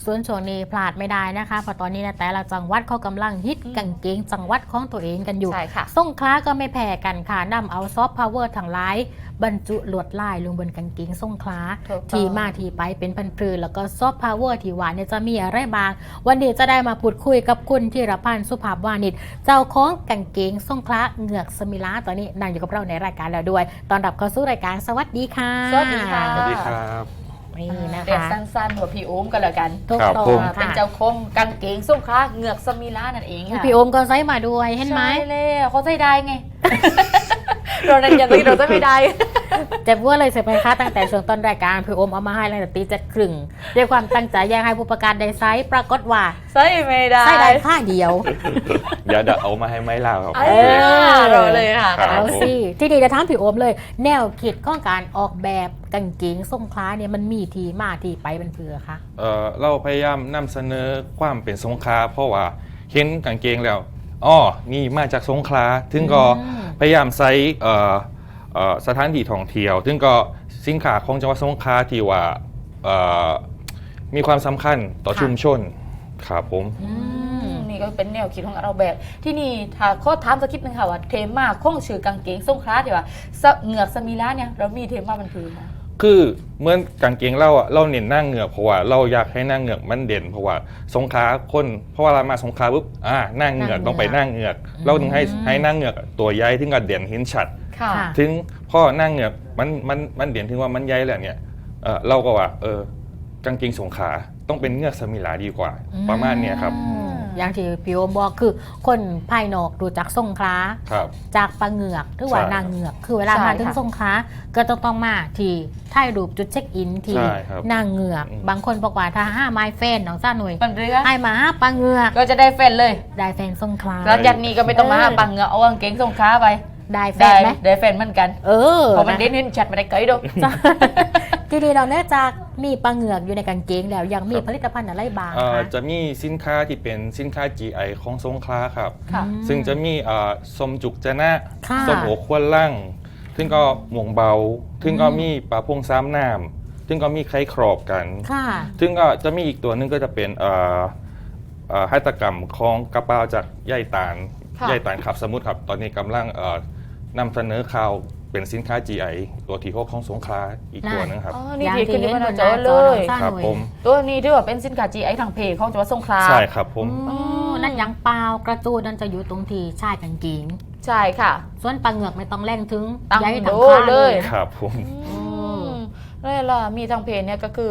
ส่วนช่วงนี้พลาดไม่ได้นะคะเพราะตอนนี้นะแต่ละจังหวัดเขากำลังฮิตกางเกงจังหวัดของตัวเองกันอยู่ใช่ค่ะสงขลาก็ไม่แพ้กันค่ะนำเอาซอฟต์พาวเวอร์ทั้งหลายบรรจุลวดลายลงบนกางเกงสงขลาถูกต้องที่มาที่ไปเป็นพันพลือแล้วก็ซอฟต์พาวเวอร์ที่ว่าเนี่ยจะมีอะไรบ้างวันนี้จะได้มาพูดคุยกับคุณธีรพันธ์สุภาพวานิชเจ้าของกางเกงสงขลาเหงือกสมิลาตอนนี้นั่งอยู่กับเราในรายการแล้วด้วยตอนรับเข้าสู่รายการสวัสดีค่ะสวัสดีค่ะสวัสดีครับนี่นะเรียกคะสั้นๆว่าพี่โอมกันแล้วกันถูกครับต้อผงมค่ะเป็นเจ้าคงกางเกงส้มคล้าเหงือกสมิลานั่นเองค่ะพี่โอมก็ใส่มาด้วยเห็นไหมใช่เลยเขาใส่ได้ไง เราเรียนเราจะไม่ได้เจ็บว่าเลยเสียไปค่ะตั้งแต่ช่วงต้นรายการพี่โอมเอามาให้ตั้งแต่ตี7:30ด้วยความตั้งใจอยากให้ผู้ประกาศได้ไซส์ปรากฏว่าใส่ไม่ได้ไซส์ได้ค่าเดียวเดี๋ยวเอามาให้ไม้ลาวครับเราเลยค่ะครับเอาสิที่ดีจะถามพี่โอมเลย แนวคิดของการออกแบบกางเกงทรงคล้าเนี่ยมันมีที่มาที่ไปเป็นเพื่อคะเราพยายามนำเสนอความเป็นสงขลาเพราะว่าเห็นกางเกงแล้วอ๋อนี่มาจากสงขลาถึงก็พยายามใช้สถานที่ท่องเที่ยวถึงก็สินค้าของจังหวัดสงขลาที่ว่ามีความสำคัญต่อชุมชนครับผมนี่ก็เป็นแนวคิดของเราแบบ ที่นี่ถ้าข้อถามสักคิดนึงค่ะว่าเทมาของชื่อกางเกงส้มคล้าที่ว่าเหงือกสมิลาเนี่ยเรามีเทมามันคือค่ะคือเหมื่อนกางเกงเราเน้นหน้าเหงือกเพราะว่าเราอยากให้หน้าเหงือกมันเด่นเพราะว่าสงขลาคนเพราะว่าเรามาสงขลาปุ๊บหน้าเหงือกต้องไปหน้าเหงือกเราถึงให้หน้าเหงือกตัวใหญ่ถึงกับเด่นเห็นชัดค่ะถึงพ่อหน้าเหงือกมันเด่นถึงว่ามันใหญ่แล้วเนี่ยเราก็ว่ากางเกงสงขลาต้องเป็นเหงือกสมิลาดีกว่าประมาณเนี้ยครับอย่างที่พี่โอมบอกคือคนภายนอกดูจากทรงคล้าครับจากปลาเหงือกหรือว่าใช่นางเหงือก คือเวลาใช่มาถึงค่ะทรงคล้าก็ต้องมาที่ถ่ายรูปจุดเช็คอินที่ใช่ครับนางเหงือก บางคนบอกว่าถ้าห้าไม้แฟนน้องซ่าหน่วยมันเรือให้มาห้าปลาเหงือกก็จะได้แฟนเลยได้แฟนทรงคล้าแล้วยันนี้ก็ไม่ต้องมาหาปังเหงือกเอากางเกงส้มคล้าไปได้แฟได้นไหมได้แฟนเหมือนกันเออเพราะมันเด่นเห็นชัดไม่ได้ไกลดอกจ้ะ ทีนี้เราเนื่องจากมีปลาเหงือกอยู่ในกางเกงแล้วยังมีผลิตภัณฑ์อะไรบ้างคะจะมีสินค้าที่เป็นสินค้า GI ของสงขลาครับค่ะซึ่งจะมีส้มจุกจะนะค่ะส้มโอควนล่างซึ่งก็หม่วงเบาซึ่งก็มีปลาพงซ้ำน้ำซึ่งก็มีไข่ครอบกันค่ะซึ่งก็จะมีอีกตัวหนึงก็จะเป็นหัตถกรรมของกระเป๋าจากใยตาลค่ะใยตาลขับสมุทรครับ ตอนนี้กำลังนำเสนอข่าวเป็นสินค้า GI ตัวที่6ของสงขลาอีกตัวหนึงครับอ๋อ นี่ผิดขึ้นที่มันจอเลยครับผมตัวนี้ที่ว่าเป็นสินค้า GI ทางเพจของจังหวัดสงขลาใช่ครับผมอ๋อนั่นยังเปล่ากระจูดนั่นจะอยู่ตรงที่ชายกางเกงใช่ค่ะส่วนปลาเหงือกไม่ต้องแรงถึงตั้งย้ายทางโดข้างเลยครับผมนี่ล่ะมีทางเพจเนี่ยก็คือ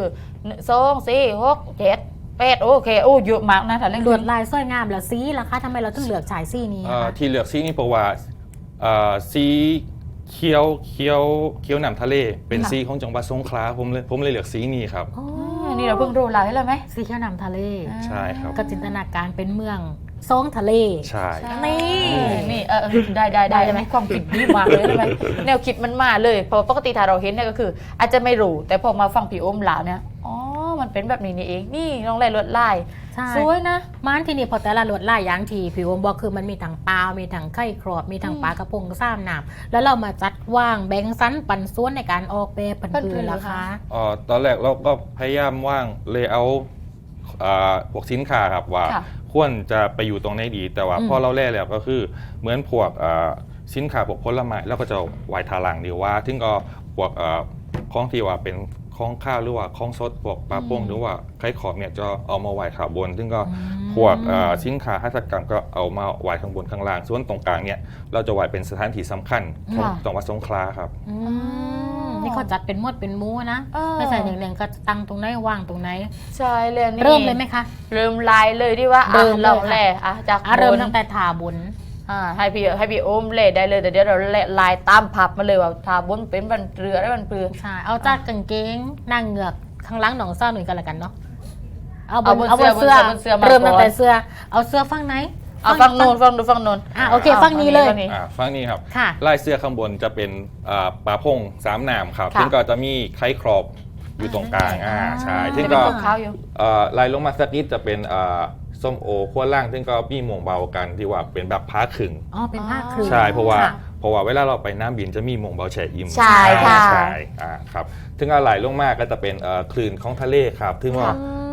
2 4 6 7 8โอเคโอ้เยอะมากนะถ้าเล่นลวดลายสวยงามแล้วสีล่ะคะทำไมเราถึงเลือกฉายสีนี้อะคะที่เลือกสีนี้เพราะว่าสีเขียวน้ำทะเล เป็นสีของจังหวัดสงขลาผมเลยเลือกสีนี้ครับอ๋อนี่เราเพิ่งรู้รายแล้วไหมสีเขียวน้ำทะเลใช่ครับก็จินตนาการเป็นเมืองซองทะเลใช่นี่นี่ได้ได้ไหมความคิดดีมากเลยใช่ไหมแนวคิดมันมาเลยเพราะปกติถ้าเราเห็นเนี่ยก็คือ อาจจะไม่รู้แต่พอมาฟังพี่โอมหลาวเนี่ยอ๋อมันเป็นแบบนี้นี่เองนี่น้องแร่ลวดลายใช่สวยนะมันที่นี่พอแต่ละลวดลายอย่างที่ผิวบอกคือมันมีทั้งปลามีทั้งไข่ครอบ มีทั้งปลากระพงซ้ำน้ำแล้วเรามาจัดวางแบ่งสันปันส่วนในการออกแบบผันปืนราคาตอนแรกเราก็พยายามว่างเลยเอาพวกสินค้าครับว่าค่ะควรจะไปอยู่ตรงไหนดี แต่ว่าพอเราแล่แล้วก็คือเหมือนพวกสินค้าพวกผลไม้เราก็จะไว้ทาหลังดีว่าถึงก็พวกของที่ว่าเป็นของข้าวหรือว่าของสดพวกปลาโป่งหรือว่าไข่ขอบเนี่ยจะเอามาไว้ขาบนซึ่งก็พวกสินค้าหัตถกรรมก็เอามาไว้ข้างบนข้างล่างส่วนตรงกลางเนี่ยเราจะไว้เป็นสถานที่สำคัญของค่ะจังหวัดสงขลาครับนี่เขาจัดเป็นหมวดเป็นหมูนะ ไม่ใช่หนึ่งๆก็ตั้งตรงไหนว่างตรงไหนใช่เลยนี่เริ่มเลยไหมคะเริ่มลายเลยดีว่าเริ่มเลยเราค่ะแล่จากเริ่มบนตั้งแต่ถาบนให้พี่โอมเล่ได้เลยแต่เดี๋ยวเราลายตามพับมาเลยว่าทาบนเป็นบันเรือได้บันเปลือใช่ เอาจากกางเกงนางเหงือกข้างหล่างหนองซ่าหนึ่งกันละกันเนาะ เอาบเอานบนเอาบนเสื้เสื้ออบนเสื้อมาเริ่มตั้งก่อนแต่เสื้อ เอาเสื้อฝั่งไหนเอาฟังโนนฟังดูฟังโนนโอเคฝั่งนี้เลยฟังนี้ครับค่ะลายเสื้อข้างบนจะเป็นปลาพงสามหนามครับค่ะซึ่งก็จะมีไข่ครอบอยู่ตรงกลางใช่ซึ่งจะเป็ก็นขาวๆอยู่ลายลงมาสักนิดจะเป็นส้มโอขั้วล่าง ซึ่งก็มีหม่วงเบากันที่ว่าเป็นแบบผ้าขึงอ๋อ เป็นผ้าคลุมใช่เพราะว่าค่ะเวลาเราไปน้ำบินจะมีหม่วงเบาแช่อิ่มใช่ค่ะใช่ครับซึ่งอะไรลงมาก็จะเป็นคลื่นของทะเลครับซึ่งว่า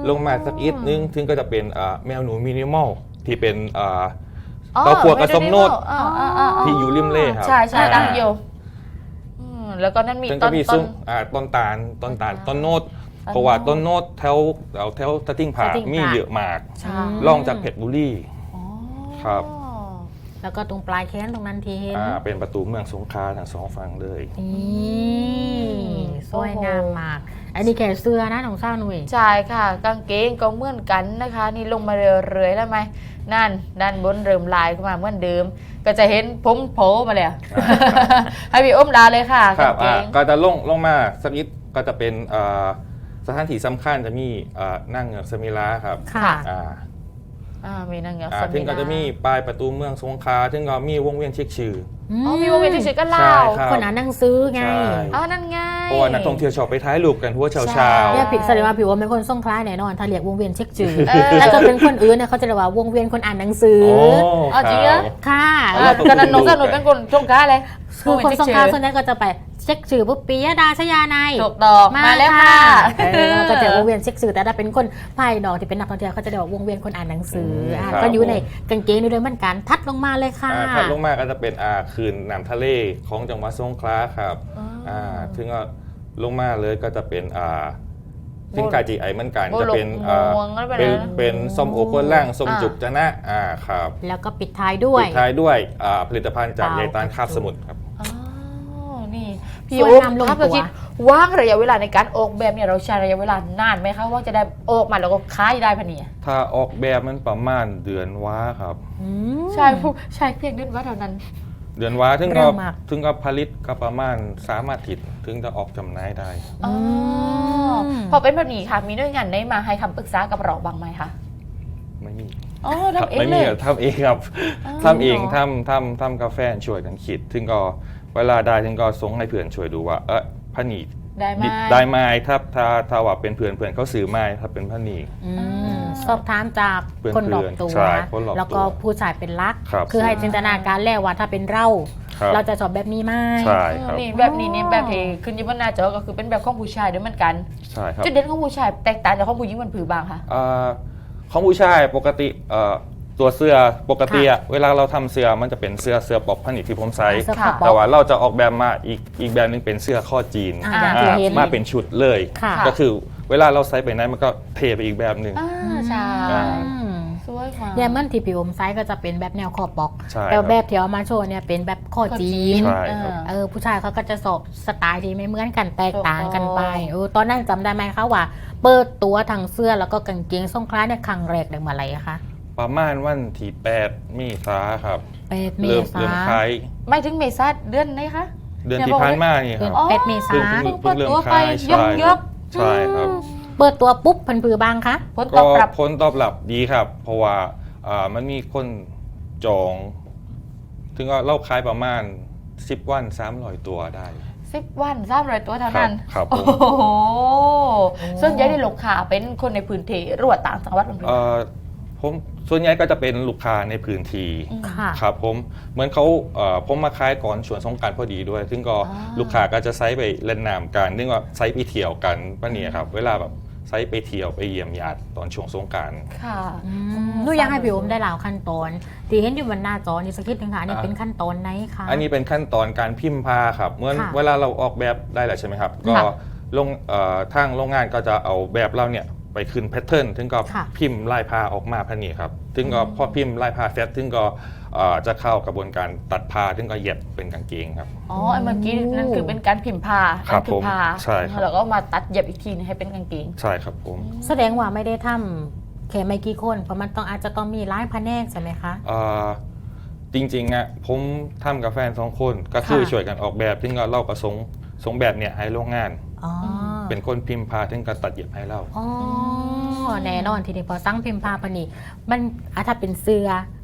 ลงมาสักนิดนึงถึงก็จะเป็นแมวหนูมินิมอลที่เป็นอ๋อเต้าคั่วกับส้มโนดที่ที่อยู่ริมเล่ครับใช่ใช่ตั้งอยู่แล้วก็นั่นมีซึ่งต้ก็นมีต้ซุ้นมต้นตาลต้นโนดเพราะว่าต้นโนดแถวตะติ้งผาตะติ้งผามีมีเยอะมากใช่ลองจากเพชรบุรีอ๋อครับแล้วก็ตรงปลายแขนตรงนั้นที่เห็นเป็นประตูเมืองสงขลาทั้งสองฝั่งเลยนี่สวยงามมาก อันนี้แก่เสื้อนะน้องเศร้าหนุ่ยใช่ค่ะ กางเกงก็เหมือนกันนะคะ นี่ลงมาเรื่อยๆแล้วไหมนั่นด้านบนเริ่มลายขึ้นมาเหมือนเดิม ก็จะเห็นผมโผล่มาเลยอะ ให้พี่อ้มลาเลยค่ะครักาบงเกงก็จะลงมาสักนิดก็จะเป็นสถานที่สำคัญจะมีนั่งเหงือกสมิลาครับค่ะมีนางเงือกถึงก็จะมีปลายประตูเมืองสงขลาถึงก็มีวงเวียนเช็คชื่ออ๋อมีวงเวียนที่ชื่อกันเล่าใช่ครับคนอ่านหนังสือไงใช่นั่นไงเพราะว่านักท่องเที่ยวชอบไปถ่ายรูปกันทั่วเช้าใช่เนี่ยผิดแสดงว่าผิวว่าเป็นคนส่งคล้ายแน่นอน ถ้าเรียกวงเวียนเช็คจือเออแต่จะเป็นคนอื่นเนี่ยเขาจะเรียกว่าวงเวียนคนอ่านหนังสือโอ้อ๋อจริงเหรอค่ะก็นั้นน้องสนุกเป็นคนช่วงค้าเลยคือคนส่งคล้ายส่วนใหญ่ก็จะไปเช็คจือปุ๊บปียดาชยานัยถูกต้องมาแล้วค่ะเราก็จะวงเวียนเช็คสื่อแต่ถ้าเป็นคนภายนอกที่เป็นนักท่องเที่ยวเขาจะเรียกว่าวงเวียนคนอ่านหนังสืออ่ะครับก็อยู่ในกางเกงนี่ด้วยเหมือนกันทัดลงมาเลยค่ะถัดลงมาก็จะเป็นคืนน้ำทะเลของจังหวัดสงขลาครับถึงก็ลงมาเลยก็จะเป็นสินค้าจีไอเหมือนกันโบจะลกเป็นม่วงแล้วเป็นเป็นอะไรนะเป็นส้มโอก้นล่างส้มอ่าจุกจะนะครับแล้วก็ปิดท้ายด้วยปิดท้ายด้วยผลิตภัณฑ์จากเปล่าใยตาลคาบสมุทรครับอ๋อนี่พี่สวยโอ๊งามลงครับตัวเราคิดว่างระยะเวลาในการออกแบบเนี่ยเราใช้ระยะเวลานานไหมคะว่าจะได้ออกมาแล้วก็ขายได้พะเนี่ยถ้าออกแบบมันประมาณเดือนว้าครับอืมใช่ผู้ใช่เพียงเดือนว่าเท่านั้นเดือนว้าถึงเร็ก็วมากถึงก็ผลิตก็ประมาณ3 อาทิตย์ถึงจะออกจำหน่ายได้อ๋อพอเป็นแบบนี้ค่ะมีหน่วยงานได้มาให้คำปรึกษากับเราบ้างไหมคะไม่มีอ๋อครับทำเองไม่เลมียครับทำเองครับอ๋อทำเองเหรอทำกาแฟช่วยกันคิดถึงก็เวลาได้ถึงก็ส่งให้เพื่อนช่วยดูว่าพนีได้ไหมได้ไหมถ้าว่าเป็นเพื่อนเขาซื้อไหมถ้าเป็นพนีอืมสอบถามจากเพื่อนคนรอบตัวใช่คนรอบตัวแล้วก็ผู้ชายเป็นรักครับคือให้จินตนาการแล้วว่าถ้าเป็นเราครับเราจะสอบแบบนี้ไหมใช่ครับนี่แบบนี้เนี่ยแบบที่ขึ้นอยี่บนหน้าจอก็คือเป็นแบบของผู้ชายด้วยเหมือนกันใช่ครับจุดเด่นของผู้ชายแตกต่างจากของผู้หญิงมันผือบางค่ะของผู้ชายปกติตัวเสื้อปกติอะเวลาเราทำเสื้อมันจะเป็นเสื้อปกผนิตที่ผมใส่เสื้อผ้าแต่ว่าเราจะออกแบบมาอีกแบบหนึงเป็นเสื้อข้อจีนอย่างที่เห็นมาเป็นชุดเลยค่ะก็คือเวลาเราใส่ไปไหนมันก็เทไปอีกแบบหนึ่งใช่อ่าอืมสวยมากเนี่ยมันที่ผิวอมไซส์ก็จะเป็นแบบแนวคอปอกใช่แต่ครับแบบที่เอามาโชว์เนี่ยเป็นแบบคอจีนใช่ครับผู้ชายเขาก็จะสอบสไตล์ที่ไม่เหมือนกันแตกต่างกันไปถูกต้องตอนนั้นจำได้ไหมคะว่า เปิดตัวทางเสื้อแล้วก็กางเกงทรงคล้ายเนี่ยครั้งแรกได้มาอะไรอะคะประมาณวันที่8 เมษาครับ 8 เมเริ่มษาขายไม่ถึงเมษาเดือนไหนคะเดือนที่ผ่านมานี่ครับอ๋อ 8 เมษาเพิ่งเริ่มเปิดตัวไปขายยกยกใช่ครับเปิดตัวปุ๊บพันผือบางคะผลตก็อบรับผลตอบรับดีครับ เพราะว่ามันมีคนจอง ถึงก็เล่าขายประมาณ10 วัน300 ตัวได้ 10 วัน300 ตัวเท่านั้นครับผมโอ้โหส่วนใหญ่ในลูกค้าเป็นคนในพื้นที่หรือว่าต่างจังหวัดบางทีผมส่วนใหญ่ก็จะเป็นลูกค้าในพื้นที่ค่ะครับผมเหมือนเขาผมมาขายก่อนช่วงสงกรานต์พอดีด้วย ซึ่งก็ลูกค้าก็จะไซส์ไปเล่นน้ำกันนึกว่าไซส์ไปเที่ยวกันป้าเนี่ยครับเวลาแบบไซส์ไปเที่ยวไปเยี่ยมญาติตอนช่วงสงกรานต์ค่ะหนูอยากให้พี่อมได้เล่าขั้นตอนที่เห็นอยู่บนหน้าจอนี่สักนิดนึงค่ะอันนี่เป็นขั้นตอนไหนคะอันนี้เป็นขั้นตอนการพิมพ์ผ้าครับเหมื่อนค่ะเวลาเราออกแบบได้แล้วใช่ไหมครับก็ค่ะทางโรงงานก็จะเอาแบบเราเนี่ยไปขึ้นแพทเทิร์นถึงก็ค่ะพิมพ์ลายผ้าออกมาพะนี่ครับถึงก็พอพิมพ์ลายผ้าเสร็จถึงก็จะเข้ากระบวนการตัดผ้าถึงก็เย็บเป็นกางเกงครับอ๋อไอ้เมื่อกี้นั่นคือเป็นการพิมพ์ผ้าครับนั่นคือผ้าผมใช่ครับแล้วก็มาตัดเย็บอีกทีนึงให้เป็นกางเกงใช่ครับผมแสดงว่าไม่ได้ทำแค่ไม่กี่คนเพราะมันต้องอาจจะต้องมีหลายแผนกใช่ไหมคะจริงๆอ่ะผมทำกับแฟน2 คนก็คือค่ะช่วยกันออกแบบถึงก็เราก็ส่งแบบเนี่ยให้โรงงานอ๋อเป็นคนพิมพ์ผ้าถึงก็ตัดเย็บให้เราอ๋อแน่นอนทีนี้พอสั่งพิมพ์ผ้าปานนี่มันถ้าเป็นเสื้อ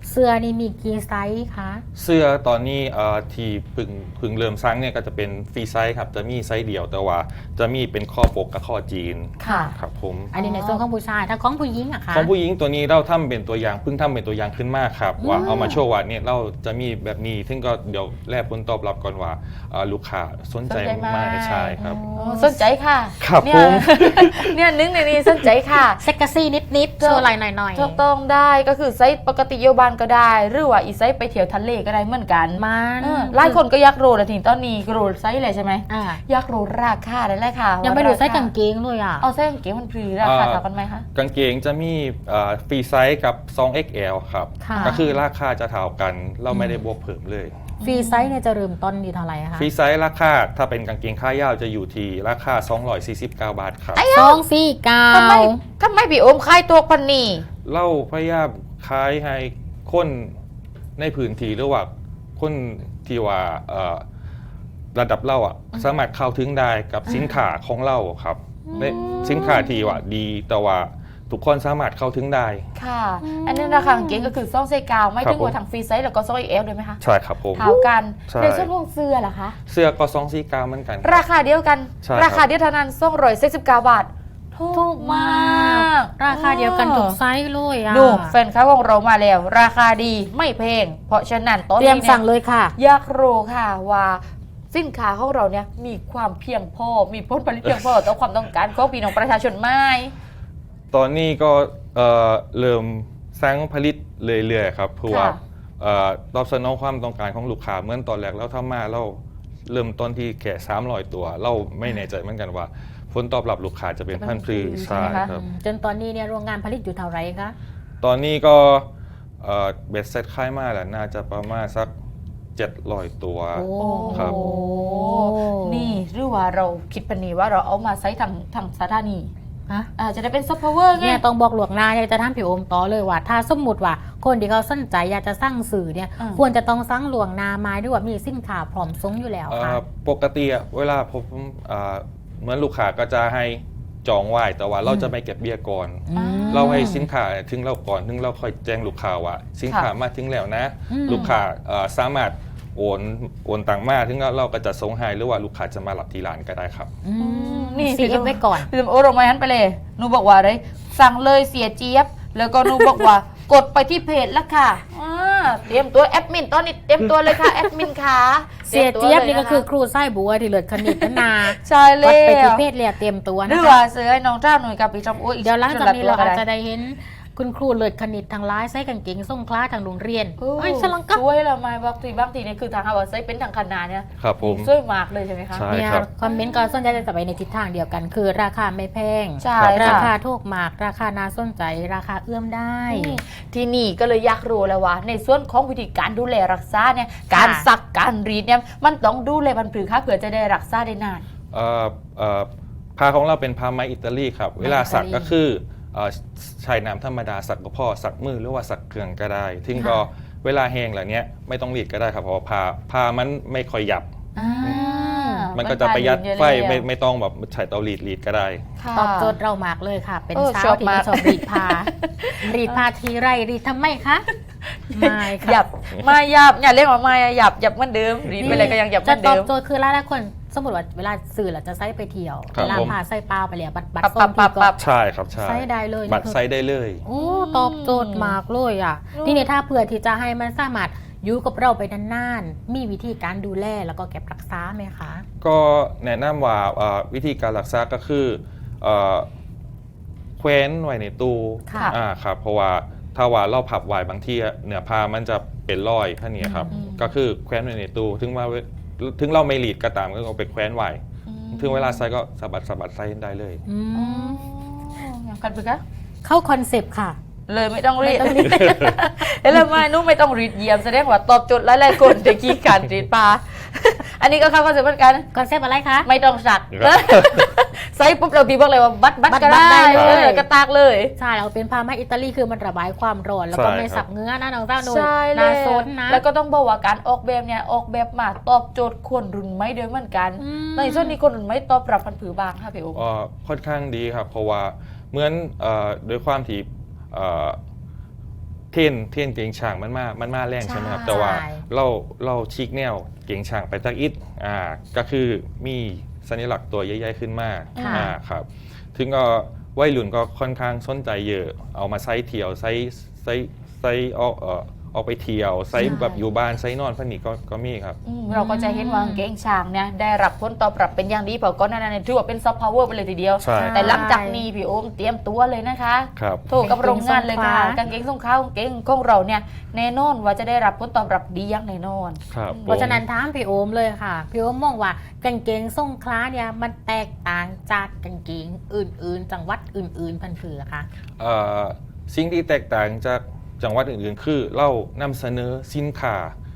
เสื้อนี่มีกี่ไซส์คะเสื้อตอนนี้ที่พึ่งเริ่มสร้างเนี่ยก็จะเป็นฟรีไซส์ครับจะมีไซส์เดียวแต่ว่าจะมีเป็นข้อปกกับข้อจีนค่ะครับผมอันนี้ในส่วนของผู้ชายถ้าของผู้หญิงอะคะของผู้หญิงตัวนี้เราทำเป็นตัวอย่างเพิ่งทำเป็นตัวอย่างขึ้นมาครับว่าเอามาโชว์ว่าเนี่ยเราจะมีแบบนี้ซึ่งก็เดี๋ยวแลกผลตอบรับก่อนว่าลูกค้าสนใจมากใช่ครับสนใจค่ะครับเนี่ยผมเนี่ยนึกในนี้สนใจค่ะเซ็กซี่นิดๆโชว์ไหล่หน่อยถูกต้องได้ก็คือไซส์ปกติโยบานก็ได้ หรือว่าอีไซส์ไปเที่ยวทะเลก็ได้เหมือนกันมันหลายคนก็อยากรู้แล้วทีตอนนี้ก็รู้ไซส์เลยใช่ไหมอ่ะอยากรู้ราคาได้เลยค่ะยังไม่ดูไซส์ว่กางเกงเลยอ่ะเอาไซส์กางเกงมันพรีราคาเท่ากันไหมคะกางเกงจะมีฟรีไซส์กับ 2XL ครับค่ะก็คือราคาจะเท่ากันเราไม่ได้บวกเพิ่มเลยฟรีไซส์เนี่ยจะเริ่มต้นที่เท่าไหร่คะฟรีไซส์ราคาถ้าเป็นกางเกงขายาวจะอยู่ที่ราคา 249 บาทครับ 249 ทำไมพี่โอมขายตัวพันนี่เราพยายามขายให้คนในพื้นที่หรือว่าคนที่ว่าระดับเราอ่ะสามารถเข้าถึงได้กับสินค้าของเราครับในสินค้าที่ว่าดีแต่ว่าทุกคนสามารถเข้าถึงได้ค่ะ อันนี้ราคากางเกงก็คือ2ไซส์กาวไม่ครับถึงว่าทางฟรีไซส์แล้วก็2 XL ด้วยไหมคะใช่ครับผมเท่ากันใช่ในส่วนของเสื้อล่ะคะเสื้อก็249เหมือนกันครับราคาเดียวกันใช่ครับราคาเดียวเท่านั้น249 บาทถูกมากราคาเดียวกันทุกไซส์เลยอ่ะดูแฟนค้าของเรามาแล้ว ราคาดีไม่แพงเพราะฉะนั้นตอนเตรียมนี้สั่งเลยค่ะอยากรู้ค่ะว่าสินค้าของเราเนี่ยมีความเพียงพอมีผลผลิตเพียงพอต่อความต้องการของพี่น้องประชาชนไหมตอนนี้ก็เริ่มสร้างผลิตเรื่อยๆครับเพื่อว่าค่ะตอบสนองความต้องการของลูกค้าเหมื่อนตอนแรกเราทำมาเราเริ่มต้นที่แค่300 ตัว เราไม่แน่ใจเหมือนกันว่าผลตอบรับลูกค้าจะเป็นพันพรีใช่ใช่ไหมคะครับจนตอนนี้เนี่ยโรงงานผลิตอยู่เท่าไหร่คะตอนนี้ก็เบ็ดเซ็ตค่ายมาแล้วน่าจะประมาณสัก700 ตัวโอ้ครับโอ้นี่หรือว่าเราคิดปณีว่าเราเอามาใช้ทางสถานีฮะจะได้เป็นซอฟต์พาวเวอร์ไงเนี่ยต้องบอกหลวงหน้าเนี่ยจะทำผิวอมต่อเลยว่า ถ้าสมมุติว่าคนที่เขาสนใจอยากจะสร้างสื่อเนี่ยอืมควรจะต้องสร้างหลวงหนามาด้วยว่ามีสินค้าพร้อมส่งอยู่แล้วค่ะปกติอะเวลาผมเหมือนลูกค้าก็จะให้จองไว้แต่ว่าเราจะไม่เก็บเบี้ยก่อนอืมเราให้สินค้าถึงเราก่อนถึงเราค่อยแจ้งลูกค้าว่าสินค้ามาถึงแล้วนะอืมลูกค้าสามารถโอนตังค์มาถึงเราก็จะส่งให้หรือว่าลูกค้าจะมารับที่ร้านก็ได้ครับอืมนี่ซีเอฟไว้ก่อนพี่โอโรมาหันไปเลยหนูบอกว่าอะไรสั่งเลยเสียเจี๊ยบ แล้วก็หนูบอกว่ากดไปที่เพจแล้วค่ะเตรียมตัวแอดมินตอนนี้เตรียมตัวเลยค่ะแอดมินค่ะเสียเจี๊ยบนี่ก็คือครูไส้บัวที่เลือดคณิตนะนาใช่เลวัดยไปที่เพศเรียเตรียมตัวหนะรือคะว่าซื้อให้น้องเจ้าหน่วยกับพี่จอมอุ้ยเดี๋ยวหลังจากนี้เราอาจจะได้ได้เห็นคุณครูเลือดคณิตทางร้ายไส้กางเกงส่งคล้าทางโรงเรียนเอ้เอ้ยยฉลังก็ช่วยเราไหมบางทีเนี่ยคือทางฮาวาไซเป็นทางคณะเนี่ยครับผมช่วยมากเลยใช่ไหมคะใช่เนี่ยครับคอมเมนต์ก็ส่วนใหญ่จะไปในทิศทางเดียวกัน คือราคาไม่แพงใช่ราค่ะคาถูกมาก ราคาน่าสนใจ ราคาเอื้อมได้ที่นี่ก็เลยอยากรู้แล้วว่าในส่วนของวิธีการดูแลรักษาเนี่ยการซักการรีดเนี่ยมันต้องดูแลพันธุ์ผือค่ะเผื่อจะได้รักษาได้นานผ้าของเราเป็นผ้าไหมอิตาลีครับไหมเวลาสักอิตาลีก็คือใช้น้ำธรรมดาสักก็พอสักมือหรือว่าสักเครื่องก็ได้ถึงก็ค่ะเวลาแห้งเหล่านี้ไม่ต้องรีดก็ได้ครับเพราะว่าผ้ามันไม่ค่อยหยับ มันก็จะประหยัดไฟไม่ต้องแบบใช้เตารีดก็ได้ค่ะตอบโจทย์เรามากเลยค่ะ เป็นชเช้าอบที่มาไม่กชอบรีดผ้า รีดผ้าทีไรรีดทำไมคะไม่หยัค่ะบมาหยับอย่าเรียกว่ามาหยับเหมือนเดิมรีดไปเลยก็ยังหยับเหมืจะอนตอเดิบมโจทย์คือหลายๆคนสมมติว่าเวลาสื่อเราจะใช้ไปเที่ยวครับเวลาผมพาใส่เปล่าไปแล้วบัตรปั๊บส้มปั๊ที่บปั๊ก็บใช่ครับใช่ใช้ได้เลยบัตรไซส์ได้เลยโอ้ตอบโจทย์มากเลยอ่ะ ทีนี้ถ้าเผื่อที่จะให้มันสามารถอยู่กับเราไปนานๆ มีวิธีการดูแลแล้วก็เก็บรักษาไหมคะก็แนะนำว่าวิธีการรักษาก็คือแคว้นไว้ในตู้ค่ะครับเพราะว่าถ้าว่าเราผับไว้บางทีเนื้อผ้ามันจะเป็นรอยผ้าเนี่ยครับอืมก็คือแคว้นไว้ในตู้ถึงเราไม่หลีดก็ตามก็เอาไปแคว้นไว้ถึงเวลาใส่ก็สะบัดใส่ได้เลยอือ๋มอกันไปคะเข้าคอนเซปต์ค่ะเลยไม่ต้องรีดไม่ต้องรีดเอ้ยแล้วไม่นุ่มไม่ต้องรีดเยี่ยมแสดงว่าตอบโจทย์หลายๆคนแต่กี้การรีดปลา อันนี้ก็เข้าคอนเซ็ปต์เหมือนกันคอนเซปต์อะไรคะไม่ต้องสักครับใส่ปุ๊บเราพี่บอกเลยว่าบัดบัดก็ได้ได้เลยกระตากเลยใช่เราเป็นพามาอิตาลีคือมันระบายความร้อนแล้วก็ใช่ไม่ครับสับเนื้อนะน้องเจ้าหนุ่ยใช่เลน่าย ซนนะแล้วก็ต้องบอกว่าการออกแบบเนี่ยออกแบบมาตอบโจทย์คนรุ่นใหม่ด้วยเหมือนกันอืมในส่วนนี้คนรุ่นใหม่ตอบรับพันผือบางค่ะพี่อุ๊บค่อนข้างดีครับ เพราะว่าเหมือนโดยความที่เทนเก่งช่างมันมาแรงใช่ไหมครับใช่แต่ว่าเราชิกแนวเก่งช่างไปจากอิฐก็คือมีสัญลักษณ์ตัวใหญ่ๆขึ้นมาค่ะครับถึงก็วัยรุ่นก็ค่อนข้างสนใจเยอะเอามาใช้เที่ยวใช้ออกไปเที่ยวใช้แบบอยู่บ้านใช้นอนพันนี่ก็มีครับเราก็จะเห็นว่ากางเกงช้างเนี่ยได้รับผลตอบรับเป็นอย่างดีเพราะก่อนหน้านั้นถือว่าเป็นซอฟต์พาวเวอร์ไปเลยทีเดียวใช่แต่หลังจากนี้พี่โอมเตรียมตัวเลยนะคะครับโทรกับโรงงานเลยค่ะกางเกงกางเกงส่งข้าวกางเกงของเราเนี่ยแน่นอนว่าจะได้รับผลตอบรับดีอย่างแน่นอนครับเพราะฉะนั้นถามพี่โอมเลยค่ะพี่โอมมองว่ากางเกงทรงคล้าเนี่ยมันแตกต่างจากกางเกงอื่นๆ จังหวัดอื่นๆพันเผือค่ะสิ่งที่แตกต่างจากจังหวัดอื่นๆ คือเรานำเสนอสินค้า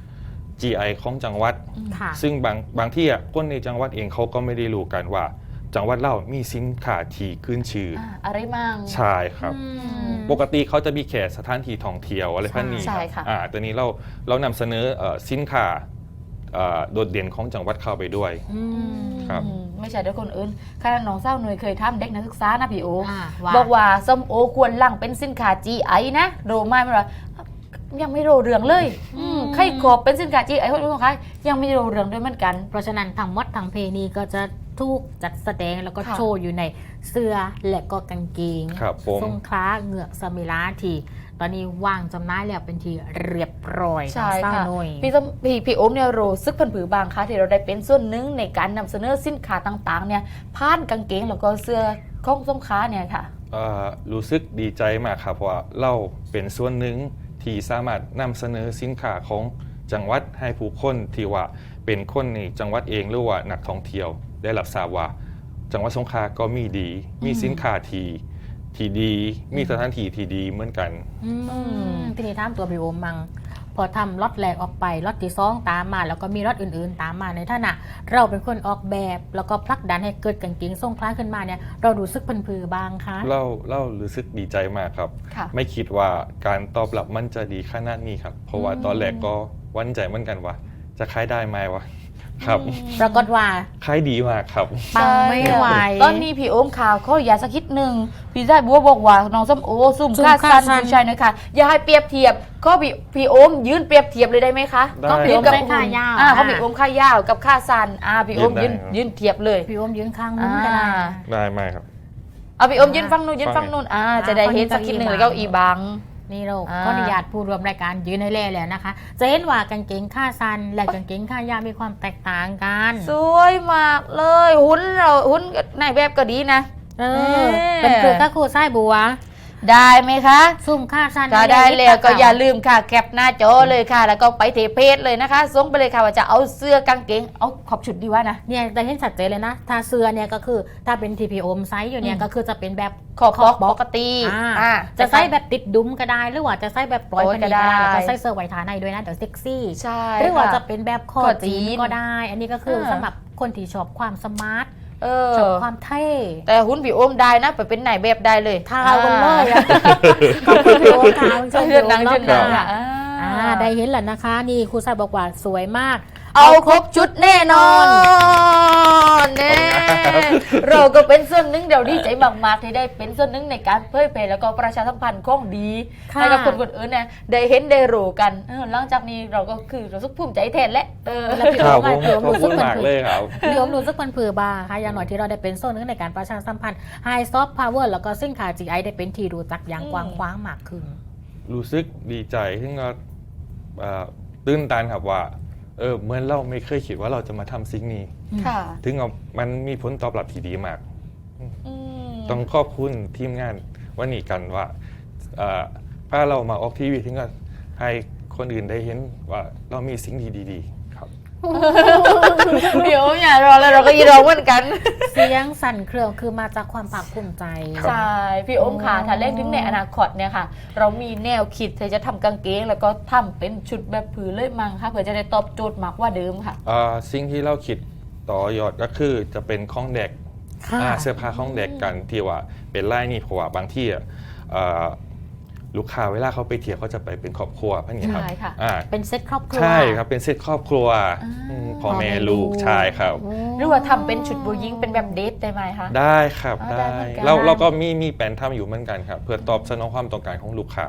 GI ของจังหวัดค่ะซึ่งบางที่คนในจังหวัดเองเขาก็ไม่ได้รู้กันว่า จังหวัดเรามีสินค้าที่ขึ้นชื่อออะไรมั่งใช่ครับ ปกติเขาจะมีแค่สถานที่ท่องเที่ยวอะไรพันนี้ใช่ครับค่ะตัวนี้เรานำเสนอสินค้าโดดเด่นของจังหวัดเข้าไปด้วย ครับไม่ใช่ด้วยคนอื่นขณะน้องเศร้าหน่วยเคยทำเด็กนักศึกษานะพี่โอว่าบอกว่าส้มโอควรหลังเป็นสินค้า GI นะโรไม่มาว่ายังไม่โรเรืองเลยไข่ขอบเป็นสินค้า GI คนอื่นของใครยังไม่โรเรืองด้วยเหมือนกันเพราะฉะนั้นทั้งหมดทั้งเพลงนี้ก็จะถูกจัดแสดงแล้วก็ค่ะโชว์อยู่ในเสื้อและก็กางเกงครับผมทรงคล้าเหงือกสมิลาทีตอนนี้วางจำหน่ายแล้วเป็นทีเรียบร้อยใช่ทางค่ะหน่วยพี่โอมเนี่ยโรซึกพันผือบางคะที่เราได้เป็นส่วนหนึ่งในการนำเสนอสินค้าต่างๆเนี่ยผ่านกางเกงแล้วก็เสื้อของส้มค้าเนี่ยค่ะรู้สึกดีใจมากครับเพราะว่าเราเป็นส่วนหนึ่งที่สามารถนำเสนอสินค้าของจังหวัดให้ผู้คนที่ว่าเป็นคนในจังหวัดเองหรือว่านักท่องเที่ยวได้รับทราบว่า จังหวัดสงขลาก็มีมีสินค้าที่ดี มีสถานที่ที่ดีเหมือนกันทีนี้ถามตัวพี่โอมมัง พอทำล็อตแรกออกไปล็อตที่สองตามมา แล้วก็มีล็อตอื่นๆ ตามมาในฐานะเราเป็นคนออกแบบแล้วก็ผลักดันให้เกิดกางเกงทรงคล้ายขึ้นมาเนี่ยเรารู้สึกพันผือบางคะเรารู้สึกดีใจมากครับค่ะไม่คิดว่าการตอบรับมันจะดีขนาดนี้ครับ เพราะว่าตอนแรกก็หวั่นใจเหมือนกันว่า จะขายได้ไหมวะครับปรากฏว่าขายดีมากครับปังไม่ไหวตอนนี้พี่โอมข่าวเขาอย่าสักคิดหนึ่งพี่ได้บัวบอกว่าน้องส้มโอซุ่มซุ่มค่าค่าสั้นสั้นผู้ชายนะคะอย่าให้เปรียบเทียบก็พี่โอมยืนเปรียบเทียบเลยได้ไหมคะได้ก็พี่โอมกับได้ค่ายาวเขาพี่โอมค่ายาวกับค่าสั้นพี่โอมยืยืนนได้ยืนเทียบเลยพี่โอมยืนข้างนู้นก็ได้ได้ไหมครับเอาพี่โอมยืนฟังนู้นยืนฟังนู้นจะได้เห็นสักคิดหนึ่งแล้วก็อีบังนี่เราอ่าขออนุญาตผู้รวมรายการยืนให้เล่แล้วนะคะ จะเห็นว่ากางเกงขาสั้นและกางเกงขายาวมีความแตกต่างกันสวยมากเลยหุ้นในแบบก็ดีนะเออเป็นคือก็ครูไส้บัวได้ไหมคะซุ่มขาสั้นก็ได้แล้วก็อย่าลืมค่ะแคปหน้าจอเลยค่ะ แล้วก็ไปเทเพจเลยนะคะส่งไปเลยค่ะว่าจะเอาเสื้อกางเกงเอาขอบชุดดีว่านะเนี่ยแต่เห็นชัดเจนเลยนะ ถ้าเสื้อเนี่ยก็คือถ้าเป็น TPO ไซส์อยู่เนี่ยก็คือจะเป็นแบบขอบปกติจะใส่แบบติดดุ้มก็ได้ หรือว่าจะใส่แบบปล่อยโอ้ยพอดีก็ได้ก็ได้แล้วก็ใส่เสื้อไวทาในด้วยนะเดี๋ยวเซ็กซี่ใช่หรือว่าค่ะจะเป็นแบบคอคอจีจีนนก็ได้ อันนี้ก็คือสำหรับคนที่ชอบความสมาร์ท ชอบความเท่แต่หุ้นพี่โอมได้นะไปเป็นไหนแบบได้เลยทากันเลยอะขอบคุณพี่โอมค่ะคุณผู้ชมเชื่อดังรอเชื่บอหดัน้างอ่ะได้เห็นแล้วนะคะ นี่ครูสายบอกว่าสวยมากเอาครบชุดแน่นอนแน่เราก็เป็นส่วนหนึ่งเดี๋ยวดีใจมากๆที่ได้เป็นส่วนหนึ่งในการเผยแพร่แล้วก็ประชาสัมพันธ์ของดีค่ะให้กับคนอื่นเนี่ยได้เห็นได้รู้กันหลังจากนี้เราก็คือเราสุขภูมิใจแทนและแล้วพี่คโอรับมผมพี่โอมขอบรู้สึคุกณมันมากผืเลอยครับพี่โอมรู้สึกมันผือบางค่ะอย่างหน่อยที่เราได้เป็นโซนหนึงในการประชาสัมพันธ์ไฮซอฟต์พาวเวอร์แล้วก็สินค้า GI ได้เป็นที่รู้จักอย่างกว้างขวางมากขึ้นรู้สึกดีใจที่เราตื้นตันครับว่าเหมือนเราไม่เคยคิดว่าเราจะมาทำสิ่งนี้ค่ะถึงมันมีผลตอบรับที่ดีมากอืมต้องขอบคุณทีมงานวันนี้กันว่าพาเรามาออกทีวีถึงก็ให้คนอื่นได้เห็นว่าเรามีสิ่งดีๆครับพี่โอมอย่ารอเลยเราก็ยีรอเหมือนกันเสียงสั่นเครือคือมาจากความภาคภูมิใจครับใช่พี่โอมค่ะถ้าเล่นถึงในอนาคตเนี่ยค่ะ เรามีแนวคิดที่จะทำกางเกงแล้วก็ทำเป็นชุดแบบผืนเลยมั้งค่ะเพื่อจะได้ตอบโจทย์มากกว่าเดิมค่ะสิ่งที่เราคิดต่อยอดก็คือจะเป็นของเด็กค่ะเสื้อผ้าของเด็กกันที่ว่าเป็นไล่นี่เพราะว่าบางที่ลูกค้าเวลาเขาไปเที่ยวเขาจะไปเป็นครอบครัวพวกนี้ครับใช่ค่ะเป็นเซ็ตครอบครัวใช่ครับเป็นเซตครอบครัวพ่อแม่ลูกใช่ครับหรือว่าทำเป็นชุดบูยิงเป็นแบบเดทได้ไหมคะได้ครับได้ได้เหมือนกันเราก็มีแผนทำอยู่เหมือนกันครับ เพื่อตอบสนองความต้องการของลูกค้า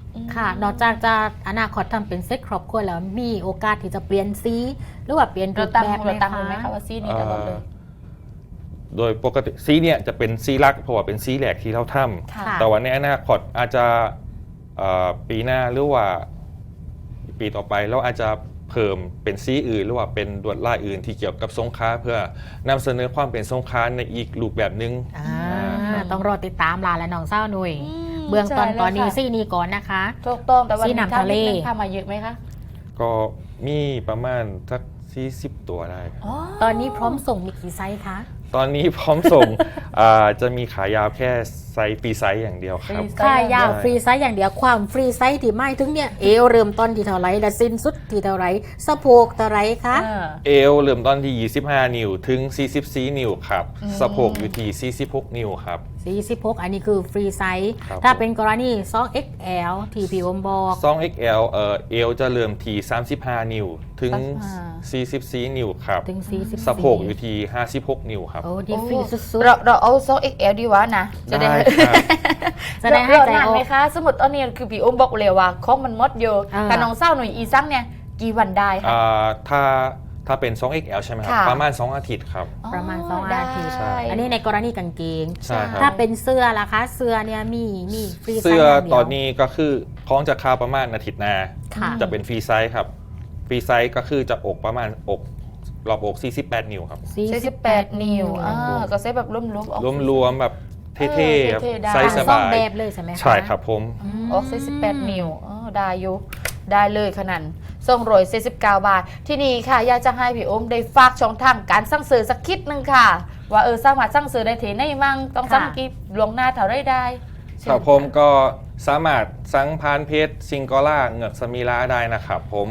ค่ะ นอกจากจะอนาคตทำเป็นเซ็ตครอบครัวแล้วมีโอกาสที่จะเปลี่ยนสีหรือว่าเปลี่ยนรูเราปตั้งแบบเราตั้งไหไหมมคะคะว่าซีนี้ตลอดเลยโดยปกติซีเนี่ยจะเป็นซีลักเพราะว่าเป็นซีแหลกที่เราทค่ะำแต่ว่าในอนาคตอาจจะปีหน้าหรือว่าปีต่อไปเราอาจจะเพิ่มเป็นซีอื่นหรือว่าเป็นลวดลายอื่นที่เกี่ยวกับสงขลาเพื่อนำเสนอความเป็นสงขลาในอีกรูปแบบนึงต้องรอติดตามลาและน้องเศร้าหนุ่ยอืมเบื้องต้นใช่แล้วตอนนี้ค่ะซี่นี้ก่อนนะคะถูกต้องแต่วันซีนี้น้ำทะเลทำมาเยอะไหมคะก็มีประมาณสัก40 ตัวได้ตอนนี้พร้อมส่งมีกี่ไซส์คะตอนนี้พร้อมส่ง จะมีขายาวแค่ไซส์ฟรีไซส์อย่างเดียวครับฟรีค่ายาวใช่ฟรีไซส์อย่างเดียวความฟรีไซส์ที่ไม่ถึงเนี่ยเอวเริ่มต้นที่เท่าไหรและสิ้นสุดที่เท่าไหรสะโพกเท่าไหรคะเอวเริ่มต้นที่ 25 นิ้วถึง 44 นิ้วครับสะโพกอยู่ที่ 46 นิ้วครับ 46อันนี้คือฟรีไซส์ครับถ้าเป็นกรณี 2XL ที่พี่อมบอก 2XL เอวจะเริ่มที่ 35 นิ้วถึง 44 นิ้วครับถึง44 สะโพกอยู่ที่ 56 นิ้วครับโอ้ดีฟรีสุดเราเอาซอก XL ดีวะนะจะได้ได้ครับๆจะได้ให้ใจนานออไหมกคะ สมมติตอนนี้คือพี่อุ้มบอกเลยว่าของมันหมดเยอะอ่าแต่น้องเศร้าหน่อยอีซังเนี่ยกี่วันได้คะถ้าเป็น 2XL ใช่ไหมครับค่ะประมาณ 2 อาทิตย์ครับประมาณ2 ได้อาทิตย์ใช่อันนี้ในกรณีกางเกงใช่ครับถ้าเป็นเสื้อล่ะคะ เสื้อเนี่ยมีฟรีไซส์เสื้ออย่างเดียวตอนนี้ก็คือของจะคาประมาณอาทิตย์หน้าค่ะจะเป็นฟรีไซส์ครับ ฟรีไซส์ก็คือจะอกประมาณอกรอบอก 48 นิ้วครับ 48 นิ้วก็ใช้แบบร่วมๆออกรวมๆแบบเท่ๆครับเท่ๆได้ไซส์สซ่อบาม ยแบบเลยใช่ไหมคะใช่ครับผมออก48 นิ้วได้อยู่ได้เลยขนาดส่งโรย49 บาท ที่นี่ค่ะ อยากจะให้พี่อุ้มได้ฝากช่องทางการสั่งซื้อสักคิดหนึ่งค่ะ ว่าสามารถสั่งซื้อได้ที่ไหนมั่งต้องสั่งกี่ลวงหน้าเท่าไรได้ครับผมก็สามารถสั่งผ่านเพจซิงกอล่าเหงือกสมิลาได้นะครับผม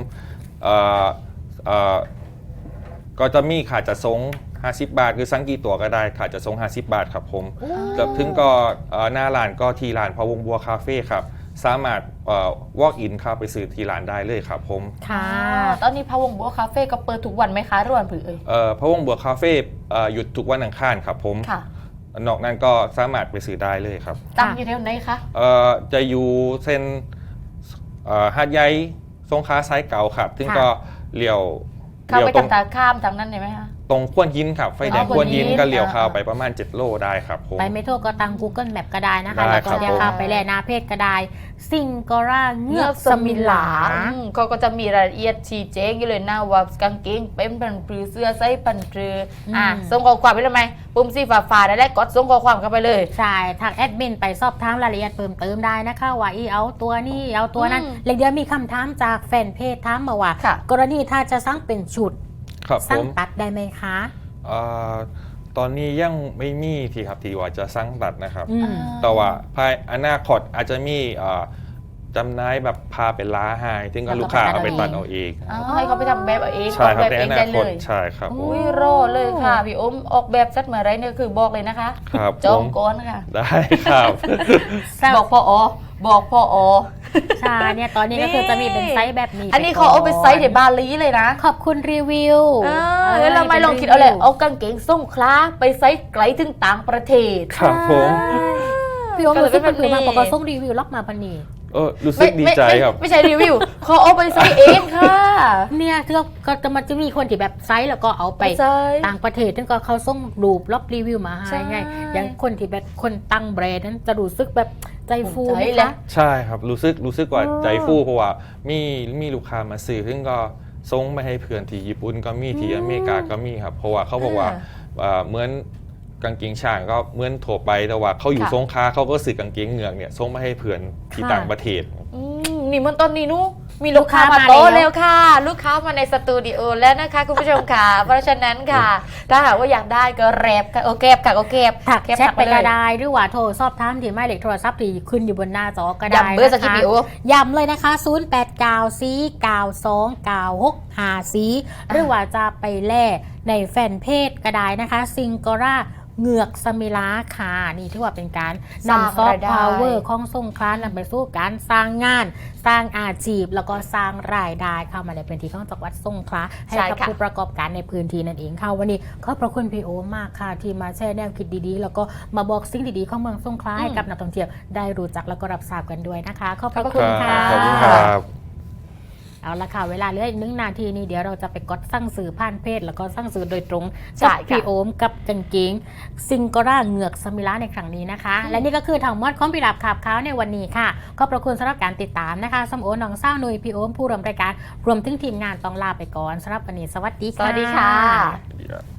ก็จะมีค่าจะส่ง50 บาท คือสั่งกี่ตัวก็ได้ค่าจะส่ง50 บาทครับผมแล้วถึงก็หน้าร้านก็ที่ร้านพะวงบัวคาเฟ่ครับสามารถwalk in เข้าไปซื้อที่ร้านได้เลยครับผมค่ะตอนนี้พะวงบัวคาเฟ่ก็เปิดทุกวันไหมคะหรือวันผือพะวงบัวคาเฟ่หยุดทุกวันอังคารครับผมค่ะนอกนั้นก็สามารถไปซื้อได้เลยครับตั้งอยู่แถวไหนคะจะอยู่เส้นหาดใหญ่สงขลาซ้ายเก่าครับซึ่งก็เลี้ยวเข้าไปตรงทางข้ามทางนั้นได้ไหมคะตรงขวนยินครับ ไฟแดงอ๋อขวนยินขวนยินก็เลี้ยวเข้าอ่าไปประมาณ 7 โลได้ครับผมไปไม่ทั่วก็ตั้ง Google Map ก็ได้นะคะได้แล้วก็ครับเดี๋ยวผมเข้าไปแลหน้าเพจก็ได้ซิงกอร่าเงือกสมิลาเขาก็จะมีรายละเอียดชี้แจงอยู่เลยนะว่ากางเกงเป็นพันปรือเสื้อไซส์พันปรือส่งข้อความไปเลยไหมปุ่มสีฟ้าๆได้แล้วกดส่งข้อความเข้าไปเลยใช่ทางแอดมินไปสอบถามรายละเอียดเพิ่มเติมได้นะคะว่าอีเอาตัวนี้เอาตัวนั้นอืมเลยเดี๋ยวมีคำถามจากแฟนเพจถามมาว่าค่ะกรณีถ้าจะสั่งเป็นชุดครับผสั่งมตัดได้ไหมคะตอนนี้ยังไม่มีที่ครับที่ว่าจะสั่งตัดนะครับอืมแต่ว่าภายอนาคตอาจจะมีจำหน่ายแบบพาเป็นล้าให้ถึงก็ลูกค้าเอาไปตัดเอาเองให้เขาไปทำแบบเอาเองใช่ออกครับแบบในเออง นาได้คเลตยใช่ครับผมอุ้ยรอเลยค่ะพี่อมออกแบบสักเมื่อไรเนี่ยคือบอกเลยนะคะครับจอผงมก้อนค่ะได้ครับบอกพ่ออบอกพ่ออใช่เนี่ยตอนนี้ก็คือจะมีเป็นไซส์แบบนี้อันนี้เขาเอาไปไซส์ในบาหลีเลยนะขอบคุณรีวิวแล้วเราไม่ลองคิดเอาเลยเอากางเกงส้มคล้าไปไซส์ไกลถึงต่างประเทศครับผมพี่โอมรู้สึกเป็นก็เลยเป็นแบบนี้คือมาบอกว่าส่งรีวิวล็อกมาพันนีรู้สึกดีใจครับไม่ใช่รีวิวเขาเอาไปไซส์เองค่ะเนี่ยที่ก็จะมันจะมีคนที่แบบไซส์แล้วก็เอาไปไซส์ต่างประเทศซึ่งก็เขาส่งรูปล็อกรีวิวมาให้ใช่ไงอย่างคนที่แบบคนตั้งแบรนด์นั้นจะรู้สึกแบบใจฟูไหมใจแหละคะใช่ครับรู้สึกว่าใจฟูเพราะว่ามีลูกค้ามาซื้อซึ่งก็ส่งมาให้เพื่อนที่ญี่ปุ่นก็มีที่อเมริกาก็มีครับเพราะว่าเขาบอกว่าเหมือนกางเกงช้างก็เหมือนทั่วไปแต่ว่าเขาอยู่ค่ะสงขลาเขาก็ซื้อกางเกงเหงือกเนี่ยส่งมาให้เพื่อนที่ค่ะต่างประเทศนี่มันตอนนี้นู้มีลูกค้ามาโต๊ะแล้วค่ะ ลูกค้ามาในสตูดิโอแล้วนะคะคุณผู้ชมค่ะ เพราะฉะนั้นค่ะ ถ้าหากว่าอยากได้ก็แรบค่ะโอเคค่ะโอเคถักแคปแชทไปเลก็ยได้หรือว่าโทรสอบถามที่หมายเลขโทรศัพท์ที่ขึ้นอยู่บนหน้าจอก็ได้ย้ำเบอร์สักนะทีคะพี่โอย้ำเลยนะคะ 0894929654หรือว่าจะไปแล่ในแฟนเพจก็ได้นะคะซิงกอร่าเหงือกสมิลาค่ะนี่ถือว่าเป็นการสร้างนำซอฟรายต์ได้พาวเวอร์ของสงขลานำไปสู่การสร้างงาน สร้างอาชีพ แล้วก็สร้างรายได้เข้ามาในพื้นที่ของจังหวัดสงขลาให้กับผู้ประกอบการในพื้นที่นั่นเองค่ะวันนี้ขอบพระคุณพี่โอมากค่ะที่มาแชร์แนวคิดดีๆ แล้วก็มาบอกสิ่งดีๆของเมืองสงขลาให้กับนักท่องเที่ยวได้รู้จักแล้วก็รับทราบกันด้วยนะคะขอบพระคุณค่ะขอบคุณครับเอาละค่ะเวลาเหลืออีก1 นาทีนี้เดี๋ยวเราจะไปกดสั่งซื้อผ่านเพจแล้วก็สั่งซื้อโดยตรงใช่กับค่ะพี่โอมกับกางเกงซิงโกราเหงือกสมิลาในครั้งนี้นะคะ และนี่ก็คือทั้งหมดของพี่ดับขับเขาในวันนี้ค่ะขอบพระคุณสำหรับการติดตามนะคะสมโอน้องเศร้าหนุยพี่โอมผู้ร่วมรายการรวมถึงทีมงานต้องลาไปก่อนสำหรับวันนี้สวัสดีสค่ะวัสดีค่ะ Yeah.